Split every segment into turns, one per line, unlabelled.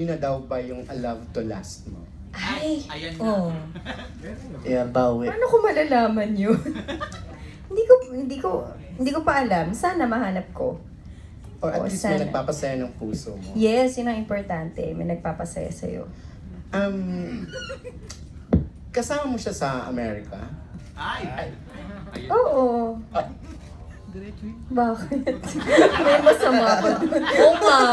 yun na daw ba yung A Love to Last mo?
Ay,
Ayan na.
oh.
Yeah, bawi.
Paano ko malalaman yun? hindi ko pa alam. Sana mahanap ko.
Or at
Oo,
least
sana.
may nagpapasaya ng puso mo.
Yes, yun ang importante. May nagpapasaya sa'yo.
Kasama mo siya sa Amerika?
Ay! Ayan.
Oo. Bakit? May masama ba doon? Oo nga.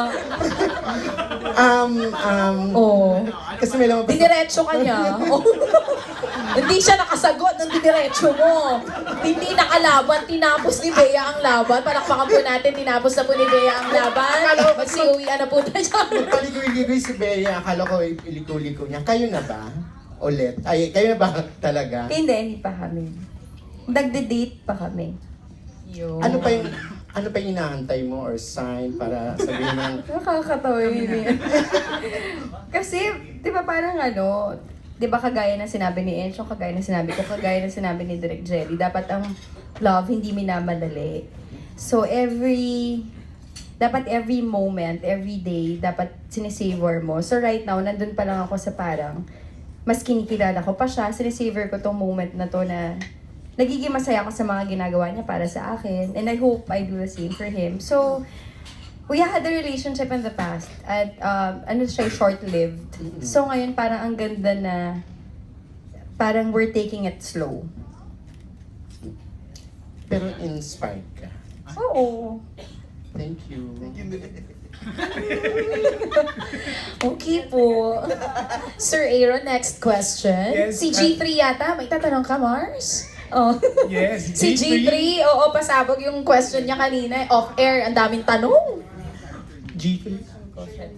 Oo.
Kasi may lamang
Diniretso ka niya. Oh. Hindi siya nakasagot ng diniretso mo. Hindi nakalaban. Tinapos ni Bea ang laban. Palakpakan po natin. Tinapos na po ni Bea ang laban. Magsiuwian na po tayo.
Paligoy-ligoy si Bea, akala ko iliko-liko niya. Kayo na ba? Ulit? Ay, kayo na ba talaga?
Hindi pa kami. Nagde-date pa kami. Yun.
Ano pa yung inaantay mo or sign para sabihin ng
Nakakatawa yun eh. Kasi, di ba parang di ba kagaya ng sinabi ni Encho, kagaya ng sinabi ko, kagaya ng sinabi ni Direk Jelly, dapat ang love hindi minamadali. So dapat every moment, every day, dapat sinisavor mo. So right now, nandun pa lang ako sa parang, mas kinikilala ko pa siya, sinisavor ko tong moment na to na nagiging masaya ako sa mga ginagawa niya para sa akin. And I hope I do the same for him. So, we had a relationship in the past at short-lived. So ngayon parang ang ganda na parang we're taking it slow.
pero inspired ka.
Oo.
Thank you.
Okay po. Sir Aaron, next question.
Yes,
Si G3 yata, may tatanong ka, Mars? Oh.
Yes,
Si G3, oo, pasabog yung question niya kanina. Off-air, ang daming tanong.
G3?